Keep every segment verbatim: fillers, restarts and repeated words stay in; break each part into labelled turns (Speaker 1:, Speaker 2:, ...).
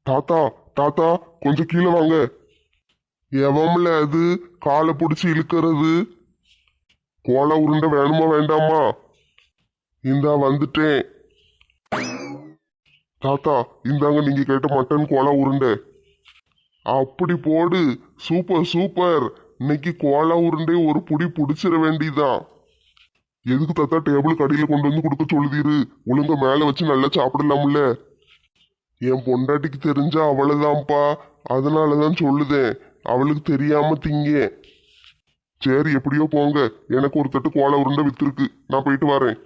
Speaker 1: தாத்தா தாத்தா கொஞ்சம் கீழே வாங்க. எவம்ல அது காலை பிடிச்சி இழுக்கிறது? கோலா உருண்டை வேணுமா வேண்டாமா? இந்தா வந்துட்டேன். தாத்தா இந்தாங்க நீங்க கேட்ட மட்டன் கோலா உருண்டை. அப்படி போடு. Super super. இன்னைக்கு கோலா உருண்டை ஒரு புடி புடிச்சிட வேண்டியதான். எதுக்கு தாத்தா டேபிள் கடையில் கொண்டு வந்து கொடுக்க சொல்லுதீரு? ஒழுங்க மேல வச்சு நல்லா சாப்பிடலாம்ல. என் பொண்டாட்டிக்கு தெரிஞ்சா அவ்வளவுதான்ப்பா. அதனாலதான் சொல்லுதேன். அவளுக்கு தெரியாம திங்க. சரி எப்படியோ போங்க. எனக்கு ஒரு தட்டு கோலா உருண்டை வித்துருக்கு. நான் போயிட்டு வரேன்.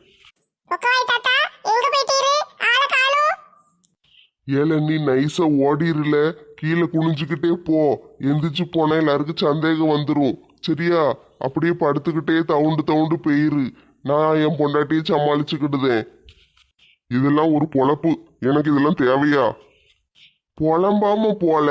Speaker 1: ஏல நீ நைஸா ஓடிருல. கீழே குனிஞ்சுக்கிட்டே போ. எந்திரிச்சு போனா எல்லாருக்கும் சந்தேகம் வந்துடும். சரியா? அப்படியே படுத்துக்கிட்டே தவுண்டு தவுண்டு போயிரு. நான் என் பொண்டாட்டியை சமாளிச்சுக்கிட்டுதேன். இதெல்லாம் ஒரு பொழப்பு. எனக்கு இதெல்லாம் தேவையா? புலம்பாம போல.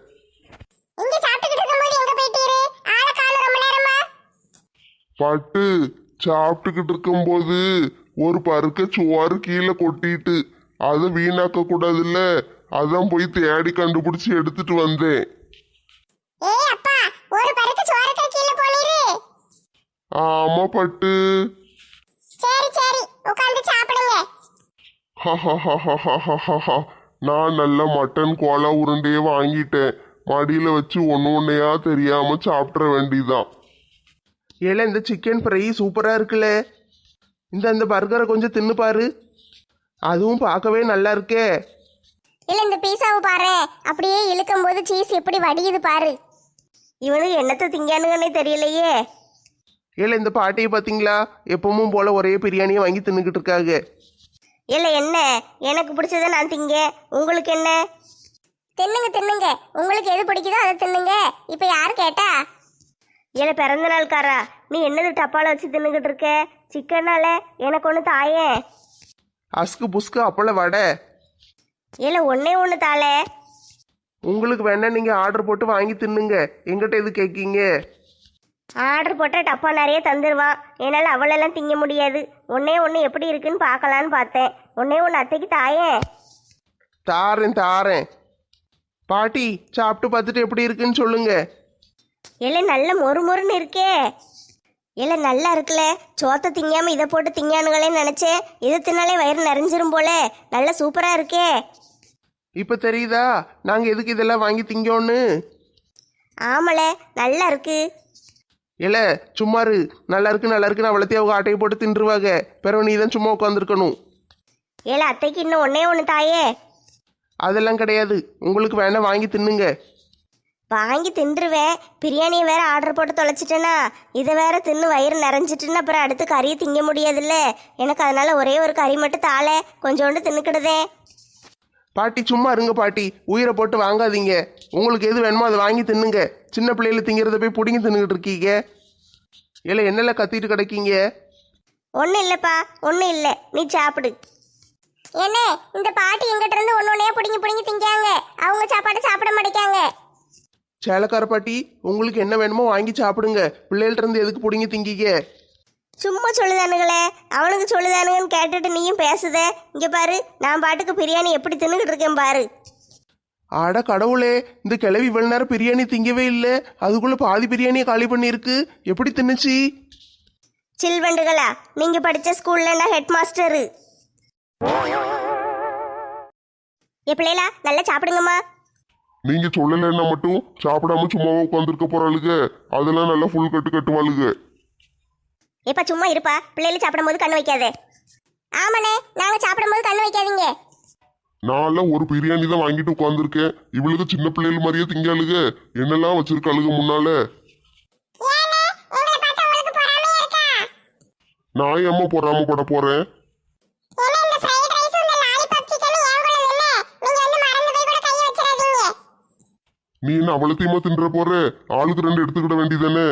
Speaker 1: பட்டு சாப்பிட்டுக்கிட்டு இருக்கும்போது ஒரு பருக்க சோறு கீழே கொட்டிட்டு அதை வீணாக்க கூடாதுல்ல. அதான் போய் தேடி கண்டுபிடிச்சு எடுத்துட்டு வந்தேன். ஆமா பட்டு. நான் நல்ல மட்டன் கோலா உருண்டையே வாங்கிட்டேன். மடியில வச்சு ஒன்னு ஒன்னையா தெரியாம சாப்பிட வேண்டியதான்.
Speaker 2: ஏல இந்த சிக்கன் ஃப்ரை சூப்பராக இருக்குல்ல. இந்த இந்த பர்கரை கொஞ்சம் தின்னு பாரு. அதுவும் பார்க்கவே நல்லா இருக்கே.
Speaker 3: இல்ல இந்த பீஸாவை பாரு. அப்படியே இழுக்கும் போது சீஸ் எப்படி வடியுது பாரு. இவனுக்கு என்னத்தை திங்கானுங்கன்னே தெரியலையே.
Speaker 2: ஏல இந்த பாட்டியை பார்த்தீங்களா? எப்பவும் போல ஒரே பிரியாணியை வாங்கி தின்னுக்கிட்டு இருக்காங்க.
Speaker 3: இல்ல என்ன, எனக்கு பிடிச்சத நான் திங்க. உங்களுக்கு என்ன? தின்னுங்க தின்னுங்க. உங்களுக்கு எது பிடிக்குதோ அதை தின்னுங்க. இப்ப யாரு கேட்டா? இல்ல பிறந்த நாள்காரா, நீ என்னது டப்பால வச்சு தின்னுக்கிட்டு இருக்க? சிக்கனால எனக்கு ஒன்று தாயே.
Speaker 2: அஸ்கு புஸ்கு அப்பள வடை.
Speaker 3: இல்ல ஒன்னே ஒன்று தாளே.
Speaker 2: உங்களுக்கு வேணா நீங்கள் ஆர்டர் போட்டு வாங்கி தின்னுங்க. எங்கிட்ட எது கேட்கீங்க?
Speaker 3: ஆர்டர் போட்டால் டப்பா நிறைய தந்துடுவான். என்னால் அவளெல்லாம் திங்க முடியாது. ஒன்னே ஒன்று எப்படி இருக்குன்னு பார்க்கலான்னு பார்த்தேன். ஒன்னே ஒன்று அத்தைக்கு தாயே.
Speaker 2: தாரேன் தாரேன். பாட்டி சாப்பிட்டு பார்த்துட்டு எப்படி இருக்குன்னு சொல்லுங்க.
Speaker 3: இல்லை நல்ல மொறு மொறுன்னு இருக்கே. இல்லை நல்லா இருக்குல்ல. சோத்தை திங்காம இதை போட்டு திங்கானுங்களேன்னு நினச்சேன். இதை தின்னாலே வயிறு நிறைஞ்சிரும் போல. நல்லா சூப்பராக இருக்கே.
Speaker 2: இப்போ தெரியுதா நாங்கள் எதுக்கு இதெல்லாம் வாங்கி திங்கோன்னு?
Speaker 3: ஆமல நல்லா இருக்கு.
Speaker 2: இல்ல சும்மாரு. நல்லா இருக்கு நல்லா இருக்குன்னு அவ்வளோத்தையும் அவங்க ஆட்டையை போட்டு தின்றுவாங்க. பிறகு நீ தான் சும்மா உட்காந்துருக்கணும்.
Speaker 3: ஏல அத்தைக்கு இன்னும் ஒன்னே ஒன்று தாயே.
Speaker 2: அதெல்லாம் கிடையாது. உங்களுக்கு வேணா வாங்கி தின்னுங்க.
Speaker 3: வாங்கி தின்றுவேன். பிரியாணியை வேற ஆர்டர் போட்டு தொலைச்சிட்டேனா, இதை வேற தின்னு வயிறு நிறைஞ்சிட்டுன்னு அப்புறம் அடுத்து கறியை திங்க முடியாதுல்ல எனக்கு. அதனால ஒரே ஒரு கறி மட்டும் தாளே, கொஞ்சோண்டு தின்னுக்கிடுதே.
Speaker 2: பாட்டி சும்மா இருங்க பாட்டி. உயிரை போட்டு வாங்காதீங்க. உங்களுக்கு எது வேணுமோ அதை வாங்கி தின்னுங்க. சின்ன பிள்ளைகளை திங்கிறத போய் பிடிங்கி தின்னுக்கிட்டு இருக்கீங்க. இல்லை என்னெல்லாம் கத்திட்டு கிடைக்கீங்க?
Speaker 3: ஒன்றும் இல்லைப்பா ஒன்றும் இல்லை. நீ சாப்பிடு. என்ன இந்த பாட்டி எங்கிட்ட இருந்து ஒன்று ஒன்றையா பிடிங்கி பிடிங்கி திங்காங்க. அவங்க சாப்பாடு சாப்பிட மாட்டேங்காங்க.
Speaker 2: சேலக்கார பாட்டி உங்களுக்கு என்ன வேணுமோ வாங்கி சாப்பிடுங்க. பிள்ளைகள்ட்ட இருந்து எதுக்கு பிடிங்கி திங்கிங்க?
Speaker 3: சும்மா சொல்லுதானுங்களே. அவனுக்கு சொல்லுதானுங்கன்னு கேட்டுட்டு நீயும் பேசுத. இங்கே பாரு, நான் பாட்டுக்கு பிரியாணி எப்படி தின்னுக்கிட்டு இருக்கேன் பாரு.
Speaker 2: ஆட கடவுளே, இந்த கிழவி இவ்வளவு நேரம் பிரியாணி திங்கவே இல்லை. அதுக்குள்ள பாதி பிரியாணியை காலி பண்ணியிருக்கு. எப்படி தின்னுச்சு?
Speaker 3: சில்வண்டுகளா, நீங்க படிச்ச ஸ்கூல்ல நான் ஹெட் மாஸ்டரு. என் பிள்ளைகளா நல்லா சாப்பிடுங்கம்மா.
Speaker 1: நீங்க சொல்லலைன்னா மட்டும் சாப்பிடாம சும்மாவா உட்காந்துருக்க போறாளுக? அதெல்லாம் நல்லா ஃபுல் கட்டு கட்டுவாளுக.
Speaker 3: எப்ப சும்மா இருப்பா. பிள்ளைகள் சாப்பிடும் போது கண்ணு வைக்காதே. ஆமாண்ணே, நாங்க சாப்பிடும் போது கண்ணு வைக்காதீங்க.
Speaker 1: நான் ஒரு பிரியாணி தான் வாங்கிட்டு உட்காந்துருக்கேன். இவளுக்கு சின்ன பிள்ளைகள் மாதிரியே திங்காளுக. என்னெல்லாம் வச்சிருக்காளுக முன்னால. நான் ஏம்மா பொறாமப்பட போறேன்? நீ என்ன அவ்வளத்தையுமா தின்ற போற? ஆளுக்கு ரெண்டு எடுத்துக்கிட வேண்டியதானே?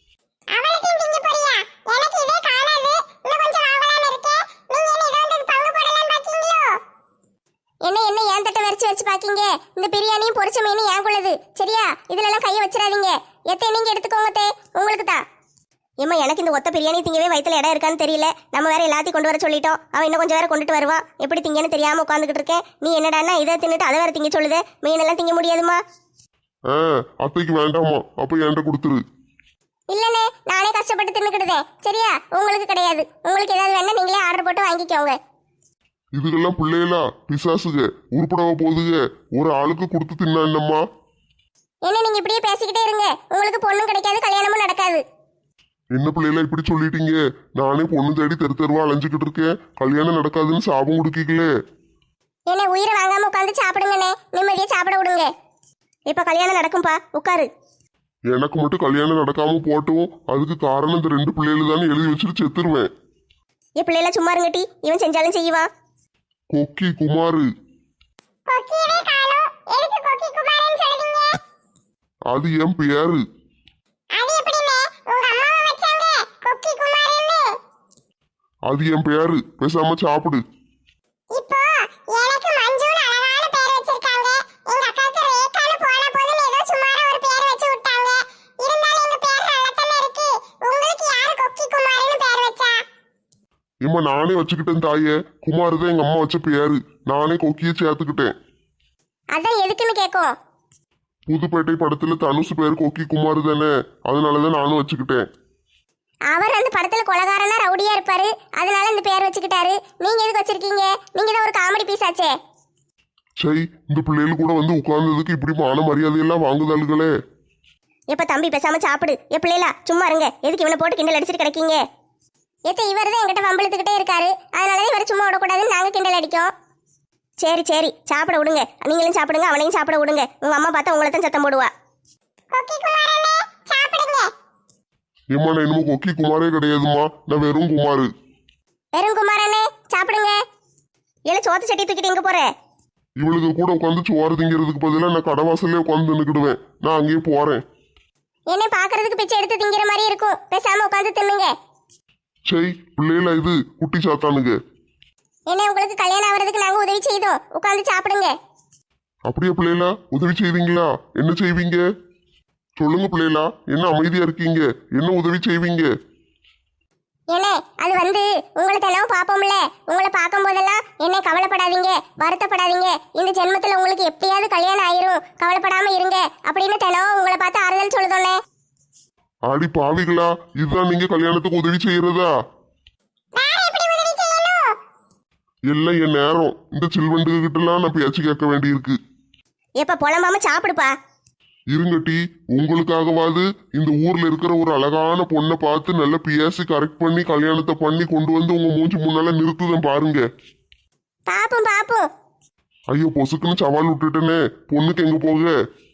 Speaker 3: என்ன என்ன ஏன் தட்டை வரைச்சு வச்சு பாக்கீங்க? இந்த பிரியாணியும் பொரிச்ச மீனும் ஏன் கொள்ளது. சரியா? இதுல எல்லாம் கையை வச்சிடாதீங்க. எத்தை நீங்க எடுத்துக்கோங்க. தே உங்களுக்கு தான். ஏம்மா எனக்கு இந்த ஒத்த பிரியாணி திங்கவே வயித்துல இடம் இருக்கான்னு தெரியல. நம்ம வேற எல்லாத்தையும் கொண்டு வர சொல்லிட்டோம். அவன் இன்னும் கொஞ்சம் வேற கொண்டுட்டு வருவான். எப்படி திங்கன்னு தெரியாம உட்காந்துக்கிட்டு இருக்கேன். நீ என்னடான்னா இதை தின்னுட்டு அதை வேற திங்க சொல்லுதே. மீனெல்லாம் திங்க முடியாதுமா?
Speaker 1: ஆ அத்தைக்கு வேண்டாமா, அப்ப என்கிட்ட கொடுத்துரு.
Speaker 3: இல்லனே, நானே கஷ்டப்பட்டு தின்னுக்கிடுதேன். சரியா? உங்களுக்கு கிடையாது. உங்களுக்கு ஏதாவது வேணா நீங்களே ஆர்டர் போட்டு வாங்கிக்கோங்க.
Speaker 1: இதுக்கெல்லாம் பிள்ளைகளா பிசாசுக உருப்படவ போதுக. ஒரு ஆளுக்கு கொடுத்து தின்னா என்னம்மா?
Speaker 3: என்ன நீங்க இப்படியே பேசிக்கிட்டே இருங்க. உங்களுக்கு பொண்ணும் கிடைக்காது, கல்யாணமும் நடக்காது.
Speaker 1: என்ன பிள்ளைகளா இப்படி சொல்லிட்டீங்க? நானே பொண்ணு தேடி தெரு தெருவா அலைஞ்சுக்கிட்டு இருக்கேன். கல்யாணம் நடக்காதுன்னு சாபம் கொடுக்கீங்களே.
Speaker 3: என்ன உயிரை வாங்காம உட்காந்து சாப்பிடுங்கண்ணே. நிம்மதியா சாப்பிட விடுங்க. இப்ப கல்யாணம் நடக்கும்பா, உட்காரு.
Speaker 1: எனக்கு மட்டும் கல்யாணம் நடக்காம போட்டும் அதுக்கு காரணம் இந்த ரெண்டு பிள்ளைகள் தானே எழுதி வச்சுட்டு செத்துருவேன்.
Speaker 3: என் பிள்ளைல சும்மா இருங்கட்டி. இவன் செஞ்சாலும் செய்வான்.
Speaker 1: கொக்கி குமாரு. அது என் பேரு. அது என் பேரு. பேசாம சாப்பிடு. இம்மா நானே வச்சுக்கிட்டேன் தாயே. குமார் தான் எங்க அம்மா வச்ச பேரு. நானே கொக்கிய சேர்த்துக்கிட்டேன்.
Speaker 3: அதான் எதுக்குன்னு கேட்கும்.
Speaker 1: புதுப்பேட்டை படத்துல தனுஷ் பேரு கொக்கி குமார் தானே, அதனாலதான் நானும் வச்சுக்கிட்டேன்.
Speaker 3: அவர் அந்த படத்துல கொலகாரனா ரவுடியா இருப்பாரு, அதனால இந்த பேர் வச்சுக்கிட்டாரு. நீங்க எதுக்கு வச்சிருக்கீங்க? நீங்க தான் ஒரு காமெடி பீஸ் ஆச்சே.
Speaker 1: சரி, இந்த பிள்ளைகள் கூட வந்து உட்கார்ந்ததுக்கு இப்படி மான மரியாதையெல்லாம் வாங்குதாளுகளே.
Speaker 3: எப்ப தம்பி பேசாம சாப்பிடு. என் பிள்ளைலா சும்மா இருங்க. எதுக்கு இவனை போட்டு கிண்டல் அடிச்சிட்டு கிடைக்கீங்க? எத்த இவர் தான் என்கிட்ட வம்பிழுத்துக்கிட்டே இருக்காரு. அதனாலதான் இவர் சும்மா விடக்கூடாதுன்னு நாங்க கிண்டல் அடிக்கோம். சரி சரி சாப்பிட விடுங்க. நீங்களும் சாப்பிடுங்க, அவனையும் சாப்பிட விடுங்க. உங்க அம்மா பார்த்தா உங்களை தான் சத்தம் போடுவா.
Speaker 1: ஏம்மா நான் என்னமோ கொக்கி குமாரே கிடையாதுமா, நான் வெறும் குமாரு.
Speaker 3: வெறும் குமாரனே சாப்பிடுங்க. ஏன்னா சோத்து சட்டி தூக்கிட்டு எங்க போற?
Speaker 1: இவளுக்கு கூட உட்காந்து சோறு திங்கிறதுக்கு பதிலாக நான் கடவாசல்லே உட்காந்து நின்றுக்கிடுவேன். நான் அங்கேயே போறேன்.
Speaker 3: என்ன பாக்குறதுக்கு பிச்சை எடுத்து திங்கிற மாதிரி இருக்கும். பேசாம உட்காந்து தின்னுங்க.
Speaker 1: சரி பிள்ளைகளா இது குட்டி சாத்தானுங்க.
Speaker 3: என்ன உங்களுக்கு கல்யாணம் ஆகிறதுக்கு நாங்க உதவி செய்தோம். உட்காந்து சாப்பிடுங்க.
Speaker 1: அப்படியே பிள்ளைகளா உதவி செய்வீங்களா? என்ன செய்வீங்க சொல்லுங்க பிள்ளைகளா. என்ன அமைதியா இருக்கீங்க? என்ன உதவி செய்வீங்க?
Speaker 3: என்ன அது வந்து உங்களை தினமும் பார்ப்போம்ல. உங்களை பார்க்கும் போதெல்லாம் என்ன கவலைப்படாதீங்க, வருத்தப்படாதீங்க. இந்த ஜென்மத்துல உங்களுக்கு எப்படியாவது கல்யாணம் ஆயிரும், கவலைப்படாம இருங்க அப்படின்னு தினமும் உங்களை பார்த்து ஆறுதல் சொல்லுதோன்னே.
Speaker 1: ஆடி பாவிகளா, இதுதான் நீங்க கல்யாணத்துக்கு உதவி செய்யறதா? எல்லாம் என் நேரம். இந்த சில்வண்டுக கிட்ட எல்லாம் நான் பேச்சு கேட்க வேண்டியிருக்கு.
Speaker 3: எப்ப புலம்பாம சாப்பிடுப்பா.
Speaker 1: இருங்கட்டி, உங்களுக்காகவாது இந்த ஊர்ல இருக்கிற ஒரு அழகான பொண்ணை பார்த்து நல்ல பேசி கரெக்ட் பண்ணி கல்யாணத்தை பண்ணி கொண்டு வந்து உங்க மூஞ்சி முன்னால நிறுத்துதான் பாருங்க.
Speaker 3: பாப்போம் பாப்போம்.
Speaker 1: ஐயோ பொசுக்குன்னு சவால் விட்டுட்டேனே. பொண்ணுக்கு எங்க போக?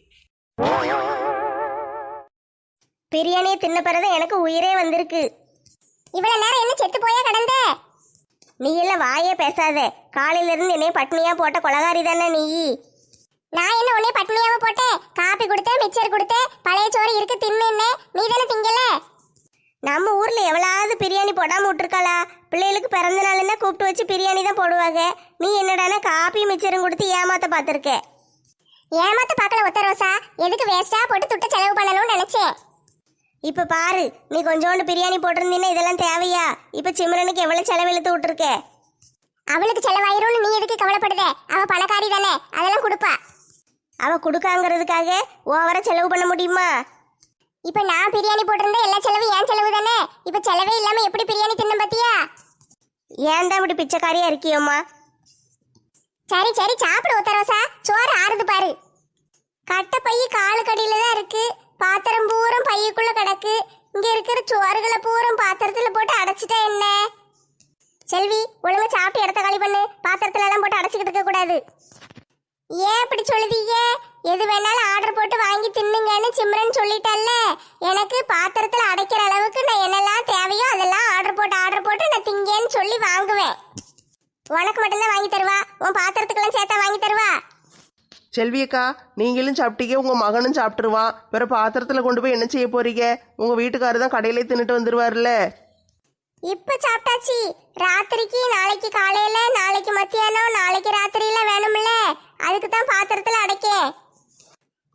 Speaker 3: பிரியாணியை தின்ன பிறகு எனக்கு உயிரே வந்திருக்கு. இவ்வளவு நேரம் என்ன செத்து போயா கடந்த? நீ எல்லாம் வாயே பேசாத. காலையில இருந்து என்னைய பட்னியா போட்ட கொலகாரி தானே நீ. நான் என்ன உன்னை பட்னியாவ போட்டேன்? காப்பி கொடுத்தேன், மிச்சர் கொடுத்தேன், பழைய சோறு இருக்கு தின்னு. நீ தானே திங்கல. நம்ம ஊர்ல எவ்வளவு பிரியாணி போடாம விட்டுருக்காளா? பிள்ளைகளுக்கு பிறந்த நாள்னா கூப்பிட்டு வச்சு பிரியாணி தான் போடுவாங்க. நீ என்னடானா காப்பி மிச்சரும் கொடுத்து ஏமாத்த பார்த்துருக்க. ஏமாத்த பார்க்கல ஒத்த ரோசா. எதுக்கு வேஸ்டா போட்டு துட்ட செலவு பண்ணணும்னு நினைச்சேன். இப்ப பாரு, நீ கொஞ்சோண்டு பிரியாணி போட்டிருந்தீன்னா இதெல்லாம் தேவையா? இப்ப சிம்ரனுக்கு எவ்வளவு செலவு இழுத்து விட்டுருக்க. அவளுக்கு செலவாயிரும்னு நீ எதுக்கு கவலைப்படுத? அவ பணக்காரி தானே, அதெல்லாம் கொடுப்பா. அவ கொடுக்காங்கிறதுக்காக ஓவரா செலவு பண்ண முடியுமா? இப்ப நான் பிரியாணி போட்டிருந்தா எல்லா செலவும் ஏன் செலவு தானே. இப்ப செலவே இல்லாம எப்படி பிரியாணி தின்ன பாத்தியா? ஏன் தான் இப்படி பிச்சைக்காரியா இருக்கியோம்மா? சரி சரி சாப்பிடு ஒத்தரோசா. சோறு ஆறுது பாரு. கட்டை பைய காலு கடியில தான் இருக்கு. பாத்திரம் பூரம் பையக்குள்ள கிடக்கு. இங்க இருக்கிற சோறுகளை பூரம் பாத்திரத்துல போட்டு அடைச்சிட்டா என்ன? செல்வி ஒழுங்கா சாப்பிட்டு இடத்த காலி பண்ணு. பாத்திரத்துல எல்லாம் போட்டு அடைச்சிக்கிட்டு இருக்க கூடாது. ஏன் இப்படி சொல்லுதீங்க? எது வேணாலும் ஆர்டர் போட்டு வாங்கி தின்னுங்கன்னு சிம்ரன் சொல்லிட்டல்ல. எனக்கு பாத்திரத்துல அடைக்கிற அளவுக்கு நான் என்னெல்லாம் தேவையோ அதெல்லாம் ஆர்டர் போட்டு ஆர்டர் போட்டு நான் திங்கேன்னு சொல்லி வாங்குவேன். உனக்கு மட்டும்தான் வாங்கி தருவா? உன் பாத்திரத்துக்கெல்லாம் சேர்த்தா வாங்கி தருவா?
Speaker 2: செல்வியக்கா, நீங்களும் சாப்பிட்டீங்க, உங்க மகனும் சாப்பிட்டுருவான். வேற பாத்திரத்துல கொண்டு போய் என்ன செய்ய போறீங்க? உங்க வீட்டுக்காரர் தான் கடையிலே தின்னுட்டு வந்துருவாருல்ல.
Speaker 3: இப்ப சாப்பிட்டாச்சு. ராத்திரிக்கு நாளைக்கு காலையில, நாளைக்கு மத்தியானம், நாளைக்கு ராத்திரியில வேணும்ல. அதுக்கு தான் பாத்திரத்துல அடைக்கேன்.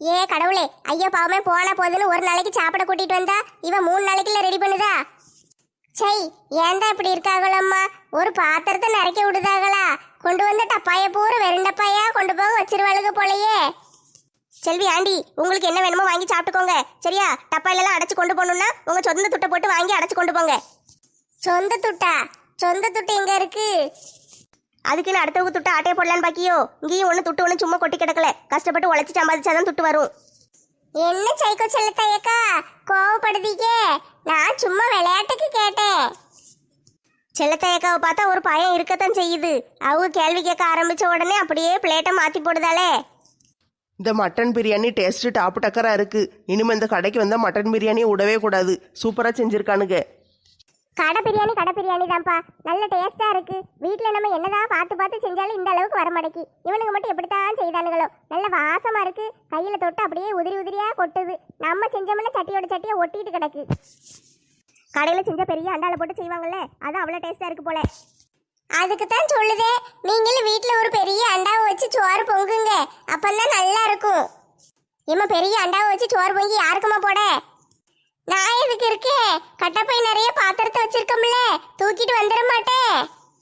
Speaker 3: ஏ கடவுளே, ஐயோ பாவமே போனா போதுன்னு ஒரு நாளைக்கு சாப்பிட கூட்டிட்டு வந்தா இவன் மூணு நாளைக்குள்ள ரெடி பண்ணுதா? சை, ஏன்டா இப்படி இருக்காங்களம்மா? ஒரு பாத்திரத்தை நிறைக்க விடுதாங்களா? கொண்டு வந்த டப்பாய பூரா வெறும் டப்பாயா கொண்டு போக வச்சிருவாளுங்க போலயே. செல்வி ஆண்டி, உங்களுக்கு என்ன வேணுமோ வாங்கி சாப்பிட்டுக்கோங்க சரியா? டப்பாயிலெல்லாம் அடைச்சு கொண்டு போகணும்னா உங்க சொந்த துட்டை போட்டு வாங்கி அடைச்சு கொண்டு போங்க. சொந்த துட்டா? சொந்த துட்டு எங்க இருக்கு? அதுக்குன்னு அடுத்தவங்க துட்டு ஆட்டையை போடலான்னு பாக்கியோ? இங்கேயும் ஒன்று துட்டு ஒன்று சும்மா கொட்டி கிடக்கல. கஷ்டப்பட்டு உழைச்சி சம்பாதிச்சாதான் துட்டு வரும். என்ன சைக்கோ செல்லத்தாயக்கா கோவப்படுதீங்க? நான் சும்மா விளையாட்டுக்கு கேட்டேன். செல்லத்தாயக்காவை பார்த்தா ஒரு பயம் இருக்கத்தான் செய்யுது. அவங்க கேள்வி கேட்க ஆரம்பிச்ச உடனே அப்படியே பிளேட்டை மாத்தி போடுதாலே.
Speaker 2: இந்த மட்டன் பிரியாணி டேஸ்ட் டாப்பு டக்கரா இருக்கு. இனிமே இந்த கடைக்கு வந்தா மட்டன் பிரியாணியை விடவே கூடாது. சூப்பரா செஞ்சிருக்கானுங்க.
Speaker 3: கடை பிரியாணி கடை பிரியாணி தான்ப்பா, நல்ல டேஸ்டா இருக்கு. வீட்டில் நம்ம என்னதான் பார்த்து பார்த்து செஞ்சாலும் இந்த அளவுக்கு வர மாட்டேங்கி. இவனுங்க மட்டும் எப்படித்தான் செய்தானுங்களோ. நல்ல வாசமா இருக்கு. கையில தொட்டு அப்படியே உதிரி உதிரியா கொட்டுது. நம்ம செஞ்சோம்னா சட்டியோட சட்டியை ஒட்டிட்டு கிடக்கு. கடையில் செஞ்ச பெரிய அண்டால போட்டு செய்வாங்கல்ல, அது அவ்வளோ டேஸ்டா இருக்கு போல. அதுக்கு தான் சொல்லுதே, நீங்களும் வீட்டில் ஒரு பெரிய அண்டாவை வச்சு சோறு பொங்குங்க, அப்பந்தான் நல்லா இருக்கும். இம்மா பெரிய அண்டாவை வச்சு சோறு பொங்கி யாருக்குமா போட? நான் எதுக்கு இருக்கேன்? கட்டப்பை நிறைய பாத்திரத்தை வச்சிருக்கோம்ல, தூக்கிட்டு வந்துட மாட்டேன்.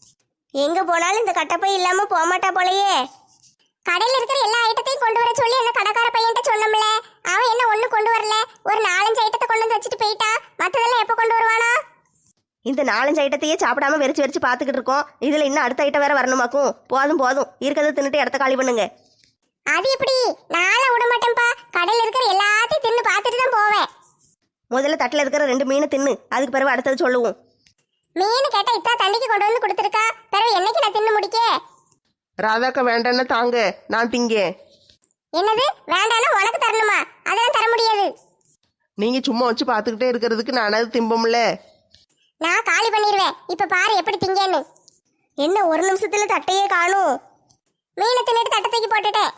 Speaker 3: எங்க போனாலும் இந்த கட்டப்பை இல்லாம போக மாட்டா போலயே. கடையில் இருக்கிற எல்லா ஐட்டத்தையும் கொண்டு வர சொல்லி என்ன கடைக்கார பையன்ட்ட சொன்னோம்ல, அவன் என்ன ஒண்ணு கொண்டு வரல. ஒரு நாலஞ்சு ஐட்டத்தை கொண்டு வந்து வச்சுட்டு போயிட்டான். மற்றதெல்லாம் எப்போ கொண்டு வருவானா?
Speaker 4: இந்த நாலஞ்சு ஐட்டத்தையே சாப்பிடாம வெறிச்சு வெறிச்சு பார்த்துக்கிட்டு இருக்கோம். இதுல இன்னும் அடுத்த ஐட்டம் வேற வரணுமாக்கும். போதும் போதும், இருக்கிறத தின்னுட்டு இடத்த காலி பண்ணுங்க.
Speaker 3: அது எப்படி? நாளை விட மாட்டேன்ப்பா. கடையில் இருக்கிற எல்லாத்தையும் தின்னு பார்த்துட்டு தான் போவேன்.
Speaker 4: முதல்ல தட்டில் இருக்கிற ரெண்டு மீனை தின்னு, அதுக்கு பிறகு அடுத்தது சொல்லுவோம்.
Speaker 3: மீன் கேட்டா இத்தா தண்ணிக்கு கொண்டு வந்து கொடுத்துருக்கா, பிறகு என்னைக்கு நான் தின்னு முடிக்க?
Speaker 2: ராதாக்கா வேண்டான்னு தாங்க, நான் திங்கேன்.
Speaker 3: என்னது வேண்டாம்னா உனக்கு தரணுமா? அதெல்லாம் தர முடியாது.
Speaker 2: நீங்க சும்மா வச்சு பார்த்துக்கிட்டே இருக்கிறதுக்கு நானாவது திம்பம்ல.
Speaker 3: நான் காலி பண்ணிடுவேன். இப்ப பாரு எப்படி திங்கன்னு.
Speaker 4: என்ன ஒரு நிமிஷத்துல தட்டையே காணும்?
Speaker 3: மீனை தின்னுட்டு தட்டை தூக்கி போட்டுட்டேன்.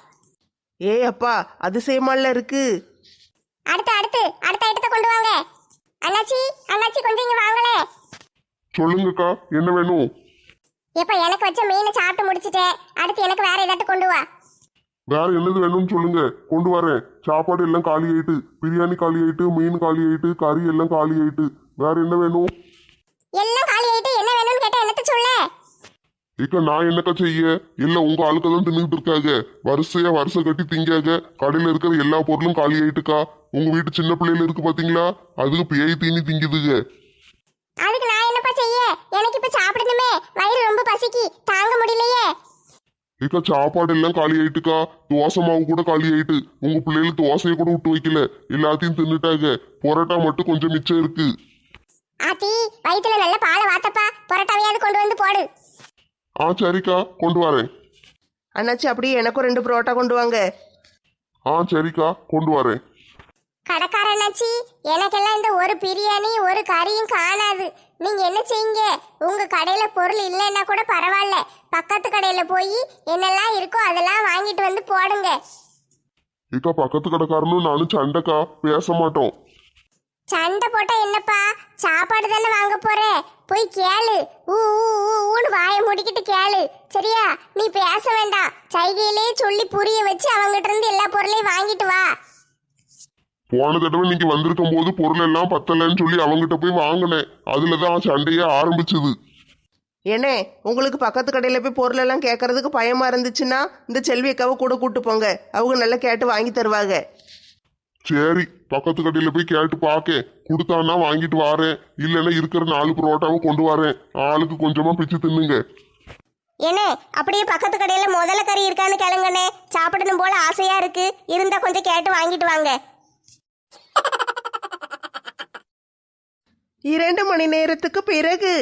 Speaker 2: ஏய் அப்பா, அதிசயமால இருக்கு.
Speaker 3: அடுத்து அடுத்து அடுத்த ஐட்டத்தை கொண்டு வாங்க. அண்ணாச்சி அண்ணாச்சி கொஞ்சம் இங்க வாங்களே.
Speaker 1: சொல்லுங்கக்கா, என்ன வேணும்?
Speaker 3: எப்ப எனக்கு வச்ச மீனை சாப்பிட்டு முடிச்சிட்டேன். அடுத்து எனக்கு வேற ஏதாட்டு கொண்டு வா.
Speaker 1: வேற என்னது வேணும்னு சொல்லுங்க, கொண்டு வரேன். சாப்பாடு எல்லாம் காலி ஆயிட்டு, பிரியாணி காலி ஆயிட்டு, மீன் காலி ஆயிட்டு, கறி எல்லாம் காலி ஆயிட்டு. வேற என்ன வேணும்?
Speaker 3: எல்லாம் காலி ஆயிட்டு என்ன வேணும்னு கேட்டா என்னத்த சொல்ல?
Speaker 1: இக்க நான் என்னக்கா செய்ய? இல்ல உங்க ஆளுக்க தான் தின்னுட்டு இருக்காங்க. வரிசையா வருஷம் கட்டி திங்காக. கடையில இருக்கிற எல்லா பொருளும் காலி ஆயிட்டுக்கா. உங்க வீட்டு சின்ன பிள்ளைல இருக்கு பாத்தீங்களா, அதுக்கு பேய் தீனி திங்குதுங்க.
Speaker 3: அதுக்கு நான் என்னப்பா செய்ய? எனக்கு இப்ப சாப்பிடணுமே, வயிறு ரொம்ப பசிக்கு, தாங்க முடியலையே.
Speaker 1: இக்கா சாப்பாடு எல்லாம் காலி ஆயிட்டுக்கா. தோசை மாவு கூட காலி ஆயிட்டு. உங்க பிள்ளைகள் தோசையை கூட விட்டு வைக்கல, எல்லாத்தையும் தின்னுட்டாங்க. பொரோட்டா மட்டும் கொஞ்சம் மிச்சம் இருக்கு.
Speaker 3: ஆத்தி வயிற்றுல நல்ல பாலை வாத்தப்பா, பரோட்டாவையாவது கொண்டு வந்து போடு.
Speaker 1: ஆ சரிக்கா, கொண்டு வரேன்.
Speaker 2: அண்ணாச்சி அப்படியே எனக்கும் ரெண்டு புரோட்டா கொண்டு வாங்க.
Speaker 1: ஆ சரிக்கா, கொண்டு வரேன்.
Speaker 3: கடைக்காரனாச்சி, எனக்கெல்லாம் இந்த ஒரு பிரியாணி ஒரு கறியும் காணாது. நீங்க என்ன செய்யுங்க, உங்க கடையில பொருள் இல்லைன்னா கூட பரவாயில்ல, பக்கத்து கடையில போய் என்னெல்லாம் இருக்கோ அதெல்லாம் வாங்கிட்டு வந்து போடுங்க.
Speaker 1: இக்கா பக்கத்து கடைக்காரனும் நானும் சண்டைக்கா, பேச மாட்டோம்.
Speaker 3: சண்டை போட்டா என்னப்பா, சாப்பாடு தானே வாங்க போற, போய் கேளு. ஊ ஊ, ஊ, ஊன்னு வாயை முடிக்கிட்டு கேளு சரியா? நீ பேச வேண்டாம், சைகையிலே சொல்லி புரிய வச்சு அவங்கிட்ட இருந்து எல்லா பொருளையும் வாங்கிட்டு வா.
Speaker 1: போன தடவை நீங்க வந்திருக்கும் போது பொருள் எல்லாம் பத்தலன்னு சொல்லி அவங்கிட்ட போய் வாங்கினேன். அதுலதான் சண்டையே ஆரம்பிச்சது.
Speaker 2: ஏனே, உங்களுக்கு பக்கத்து கடையில் போய் பொருள் எல்லாம் கேட்கறதுக்கு பயமா இருந்துச்சுன்னா இந்த செல்வி அக்காவை கூட கூட்டு போங்க. அவங்க நல்லா கேட்டு வாங்கி தருவாங்க.
Speaker 1: சரி, பக்கத்து கடையில போய் கேட்டு பாக்க, கொடுத்தான்னா வாங்கிட்டு வாரேன். இல்லைன்னா இருக்கிற நாலு புரோட்டாவை கொண்டு வரேன். ஆளுக்கு கொஞ்சமா பிச்சு தின்னுங்க.
Speaker 4: என்ன அப்படியே பக்கத்து கடையில முதல்ல கறி இருக்கான்னு கேளுங்கண்ணே. சாப்பிடணும் போல ஆசையா இருக்கு, இருந்தா கொஞ்சம் கேட்டு வாங்கிட்டு வாங்க.
Speaker 2: இரண்டு மணி நேரத்துக்கு பிறகு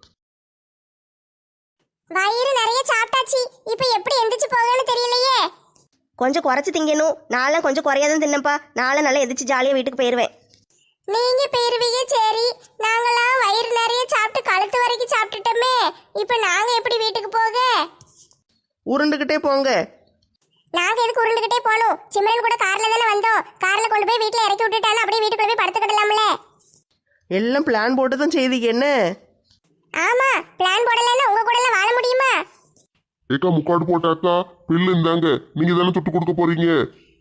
Speaker 3: வயிறு நிறைய சாப்பிட்டாச்சு, இப்ப எப்படி எந்திரிச்சு போகணும்னு தெரியலையே.
Speaker 4: கொஞ்சம் குறைச்சி திங்கணும். நானும் கொஞ்சம் குறையாதான் தின்னப்பா. நாளை நல்லா எதிர்த்து ஜாலியாக வீட்டுக்கு போயிடுவேன்.
Speaker 3: நீங்க போயிருவீங்க சரி, நாங்களாம் வயிறு நிறைய சாப்பிட்டு கழுத்து வரைக்கும் சாப்பிட்டுட்டோமே, இப்ப நாங்க எப்படி வீட்டுக்கு போக?
Speaker 2: உருண்டுகிட்டே போங்க.
Speaker 3: நாங்க எதுக்கு உருண்டுகிட்டே போகணும்? சிம்ரன் கூட கார்ல தானே வந்தோம். கார்ல கொண்டு போய் வீட்டுல இறக்கி விட்டுட்டாலும் அப்படியே வீட்டுக்குள்ள போய் படுத்துக்கிடலாம்ல.
Speaker 2: எல்லாம் பிளான் போட்டு தான் செய்தீங்க என்ன?
Speaker 3: ஆமா, பிளான் போடலன்னா உங்க கூட எல்லாம் வாழ முடியுமா?
Speaker 1: ஏக்கா முக்காடு போட்டாக்கா, பில்லு இந்தாங்க. நீங்க தானே தொட்டு கொடுக்க போறீங்க.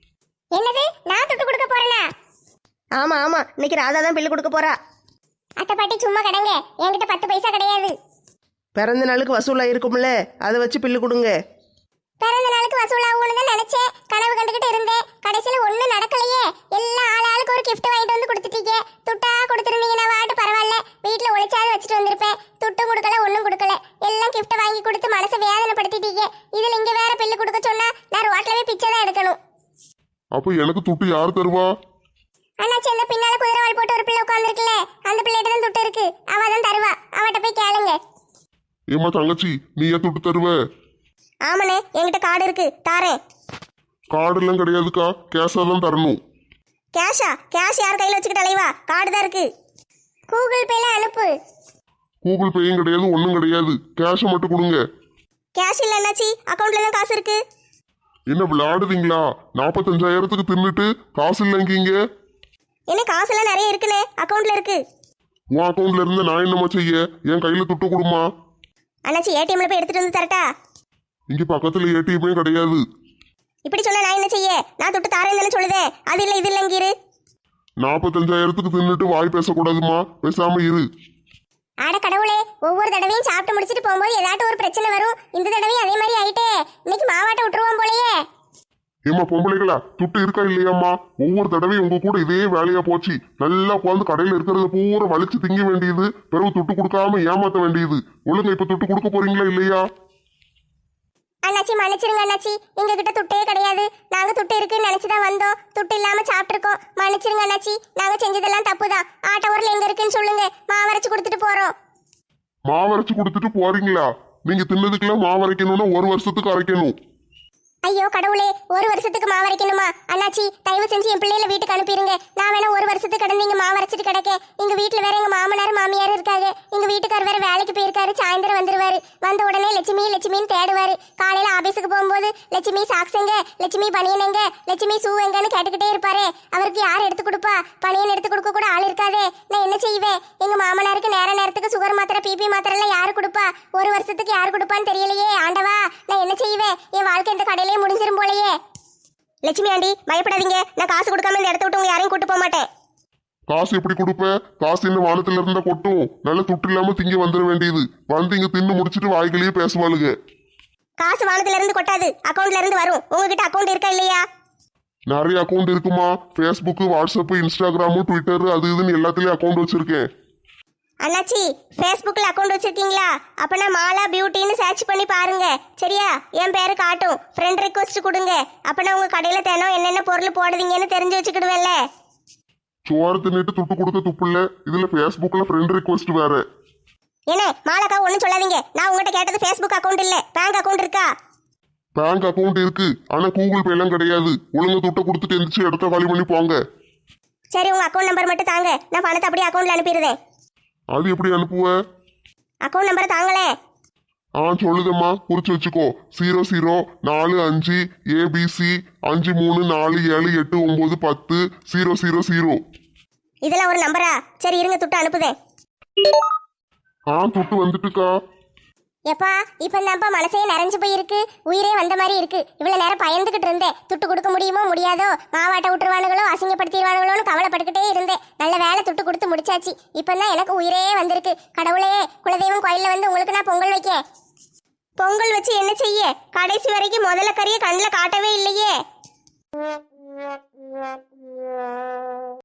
Speaker 3: என்னது நான் துட்டு கொடுக்க போறேனா?
Speaker 4: ஆமா ஆமா, இன்னைக்கு ராதா தான் பில்லு கொடுக்க போறா.
Speaker 3: அத்தை பாட்டி சும்மா கடங்க, என்கிட்ட பத்து பைசா கிடையாது.
Speaker 2: பிறந்த நாளுக்கு வசூலாக இருக்கும்ல, அதை வச்சு பில்லு கொடுங்க.
Speaker 3: பிறந்த நாளுக்கு வசூலாகும்னு தான் நினைச்சேன், கனவு கண்டுகிட்டு இருந்தேன். கடைசியில ஒண்ணும் நடக்கலையே. எல்லாம் ஆள் ஆளுக்கு ஒரு கிஃப்ட் வாங்கிட்டு வந்து கொடுத்துட்டீங்க. துட்டா கொடுத்துருந்தீங்கன்னா வாட்டு பரவாயில்ல, வீட்டுல ஒளிச்சாவது வச்சுட்டு வந்திருப்பேன். துட்டும் கொடுக்கல ஒன்றும் கொடுக்கல, எல்லாம் கிஃப்ட் வாங்கி கொடுத்து மனசை வேதனைப்படுத்திட்டீங்க. இதுல இங்க வேற பில்லு கொடுக்க சொன்னா நான் ரோட்ல போய் பிச்சை தான் எடுக்கணும்.
Speaker 1: அப்ப எனக்கு துட்டு யார் தருவா?
Speaker 3: அண்ணாச்சி, இந்த பின்னால குதிரைவால் போட்டு ஒரு பிள்ளை உட்காந்துருக்குல்ல, அந்த பிள்ளைகிட்ட தான் துட்டு இருக்கு, அவ தான் தருவா. அவட்ட போய் கேளுங்க.
Speaker 1: ஏம்மா தங்கச்சி, நீ ஏன் துட்டு தருவ?
Speaker 4: ஆமாண்ணே, என்கிட்ட கார்டு இருக்கு, தாரேன்.
Speaker 1: கார்டு எல்லாம் கிடையாதுக்கா, கேஷா தான் தரணும்.
Speaker 4: கேஷா? கேஷ் யார் கையில் வச்சுக்கிட்டு அலைவா? கார்டு தான் இருக்கு.
Speaker 3: கூகுள் பேல அனுப்பு.
Speaker 1: கூகுள் பேயும் கிடையாது, ஒன்றும் கிடையாது. கேஷை மட்டும் கொடுங்க.
Speaker 4: கேஷ் இல்லை என்னாச்சி, அக்கௌண்ட்ல தான் காசு இருக்கு.
Speaker 1: என்ன விளையாடுதீங்களா? நாற்பத்தஞ்சாயிரத்துக்கு தின்னுட்டு காசு இல்லைங்கீங்க.
Speaker 4: என்ன காசு எல்லாம் நிறைய இருக்குண்ணே, அக்கௌண்ட்ல இருக்கு.
Speaker 1: உன் அக்கௌண்ட்ல இருந்து நான் என்னம்மா செய்ய? என் கையில துட்டு கொடுமா.
Speaker 4: அண்ணாச்சி, ஏடிஎம்ல போய் எடுத்துட்டு வந்து தரட்டா?
Speaker 1: இங்க பக்கத்துல ஏடிஎம்மே கிடையாது.
Speaker 4: இப்படி சொன்னா நான் என்ன செய்ய? நான் தொட்டு தாரேன்னு தானே சொல்லுதேன். அது இல்லை இது இல்லைங்கிரு.
Speaker 1: நாற்பத்தஞ்சாயிரத்துக்கு தின்னுட்டு வாய் பேசக்கூடாதுமா, பேசாம இரு.
Speaker 3: ஆட கடவுளே, ஒவ்வொரு தடவையும் சாப்பிட்டு முடிச்சிட்டு போகும்போது ஏதாட்டும் ஒரு பிரச்சனை வரும். இந்த தடவையும் அதே மாதிரி ஆயிட்டே. இன்னைக்கு மாவாட்ட விட்டுருவோம் போலயே.
Speaker 1: ஏம்மா பொம்பளைகளா, துட்டு இருக்கா இல்லையாம்மா? ஒவ்வொரு தடவையும் உங்க கூட இதே வேலையா போச்சு. நல்லா உட்காந்து கடையில இருக்கிறத பூரா வலிச்சு திங்க வேண்டியது, பிறகு துட்டு கொடுக்காம ஏமாத்த வேண்டியது. ஒழுங்கா இப்ப துட்டு கொடுக்க போறீங்களா இல்லையா?
Speaker 3: அண்ணாச்சி மன்னிச்சிருங்க அண்ணாச்சி, எங்க கிட்ட துட்டே கிடையாது. நாங்க துட்டு இருக்குன்னு நினைச்சுதான் வந்தோம். துட்டு இல்லாம சாப்பிட்டுருக்கோம். மன்னிச்சிருங்க அண்ணாச்சி, நாங்க செஞ்சதெல்லாம் தப்புதான். ஆட்ட ஊர்ல எங்க இருக்குன்னு சொல்லுங்க, மாவரைச்சு கொடுத்துட்டு போறோம்.
Speaker 1: மாவரைச்சு கொடுத்துட்டு போறீங்களா? நீங்க தின்னதுக்கெல்லாம் மாவரைக்கணும்னா ஒரு வருஷத்துக்கு அரைக்கணும்.
Speaker 3: ஐயோ கடவுளே, ஒரு வருஷத்துக்கு மாவரைக்கணுமா? அண்ணாச்சி தயவு செஞ்சு என் பிள்ளைல வீட்டுக்கு அனுப்பிடுங்க. நான் வேணா ஒரு வருஷத்துக்கு கடந்து இங்க மாவரைச்சிட்டு கிடக்க. எங்க வீட்டுல வேற எங்க மாமனார் மாமியார் இருக்காங்க. எங்க வீட்டுக்கார் வேற வேலைக்கு போயிருக்காரு, சாயந்தரம் வந்துருவாரு. வந்த உடனே லட்சுமி லட்சுமின்னு தேடுவாரு. காலையில ஆபீஸுக்கு போகும்போது லட்சுமி சாக்ஸங்க, லட்சுமி பனியனங்க, லட்சுமி ஷூ எங்கன்னு கேட்டுக்கிட்டே இருப்பாரு. அவருக்கு யார் எடுத்து கொடுப்பா? பனியன் எடுத்து கொடுக்க கூட ஆள் இருக்காதே. நான் என்ன செய்வேன்? எங்க மாமனாருக்கு நேர நேரத்துக்கு சுகர் மாத்திரை பிபி மாத்திரை எல்லாம் யாரு கொடுப்பா? ஒரு வருஷத்துக்கு யாரு கொடுப்பான்னு தெரியலையே. ஆண்டவா, நான் என்ன செய்வேன்? என் வாழ்க்கை இந்த கடையிலே முடிஞ்சிரும் போலயே.
Speaker 4: லட்சுமி ஆண்டி, பயப்படாதீங்க. நான் காசு கொடுக்காம இந்த இடத்த விட்டு உங்க யாரையும் கூட்டு போக மாட்டேன்.
Speaker 1: காசு எப்படி கொடுப்ப? காசு என்ன வானத்துல இருந்தா கொட்டும்? நல்ல துட்டு இல்லாம திங்க வந்துட வேண்டியது. வந்து இங்க தின்னு முடிச்சிட்டு வாய்களையே பேசுவாளுங்க.
Speaker 4: காசு வானத்துல இருந்து கொட்டாது, அக்கௌண்ட்ல இருந்து வரும். உங்ககிட்ட அக்கௌண்ட் இருக்கா இல்லையா?
Speaker 1: நிறைய அக்கௌண்ட் இருக்குமா? ஃபேஸ்புக், வாட்ஸ்அப், இன்ஸ்டாகிராமு, ட்விட்டர், அது இதுன்னு எல்லாத்துலயும் அக்கௌண்ட் வச்சிருக்கேன்.
Speaker 4: அண்ணாச்சி, ஃபேஸ்புக்கில் அக்கௌண்ட் வச்சிருக்கீங்களா? அப்பனா மாலா பியூட்டின்னு சர்ச் பண்ணி பாருங்க, சரியா? என் பேரு காட்டும். ஃப்ரெண்ட் ரிக்வஸ்ட் கொடுங்க. அப்பனா உங்க கடையில தினம் என்னென்ன பொருள் போடுவீங்கன்னு தெரிஞ்சு வச்சுக்கிடுவேன்ல.
Speaker 1: சோறு தின்னுட்டு துட்டு கொடுக்க துப்புல, இதுல ஃபேஸ்புக்ல ஃப்ரெண்ட் ரிக்வெஸ்ட் வேற.
Speaker 4: என்ன மாலாக்கா, ஒன்றும் சொல்லாதீங்க. நான் உங்ககிட்ட கேட்டது ஃபேஸ்புக் அக்கௌண்ட் இல்ல, பேங்க் அக்கௌண்ட் இருக்கா?
Speaker 1: பேங்க் அக்கௌண்ட் இருக்கு, ஆனா கூகுள் பே எல்லாம் கிடையாது. ஒழுங்கா துட்டை கொடுத்துட்டு எந்திரிச்சு இடத்த காலி பண்ணி போங்க.
Speaker 4: சரி, உங்க அக்கௌண்ட் நம்பர் மட்டும் தாங்க, நான் பணத்தை அப்படியே அக்கௌண்ட்ல அனுப்பிடுறேன்.
Speaker 1: அது எப்படி அனுப்புவ?
Speaker 4: அக்கௌண்ட் நம்பரை தாங்களே.
Speaker 1: ஆ சொல்லுதம்மா, குறிச்சு வச்சுக்கோ. ஜீரோ ஜீரோ நாலு அஞ்சு ஏபிசி அஞ்சு மூணு நாலு ஏழு எட்டு ஒன்பது பத்து ஜீரோ ஜீரோ ஜீரோ.
Speaker 4: இதெல்லாம் ஒரு நம்பரா? சரி இருங்க, துட்டு அனுப்புதேன்.
Speaker 1: ஆ துட்டு வந்துட்டுக்கா.
Speaker 3: எப்பா, இப்ப தான்ப்பா மனசே நிறைஞ்சு போயிருக்கு. உயிரே வந்த மாதிரி இருக்கு. இவ்வளவு நேரம் பயந்துகிட்டு இருந்தேன். துட்டு கொடுக்க முடியுமோ முடியாதோ, மாவாட்ட விட்டுருவானுங்களோ அசிங்கப்படுத்திடுவானுங்களோன்னு கவலைப்பட்டுக்கிட்டே இருந்தேன். நல்ல வேலை, துட்டு கொடுத்து முடிச்சாச்சு. இப்பதான் எனக்கு உயிரே வந்திருக்கு. கடவுளே, குலதெய்வம் கோயில்ல வந்து உங்களுக்கு நான் பொங்கல் வைக்க.
Speaker 4: பொங்கல் வச்சு என்ன செய்ய? கடைசி வரைக்கும் முதல்ல கறியை கண்ணில் காட்டவே இல்லையே.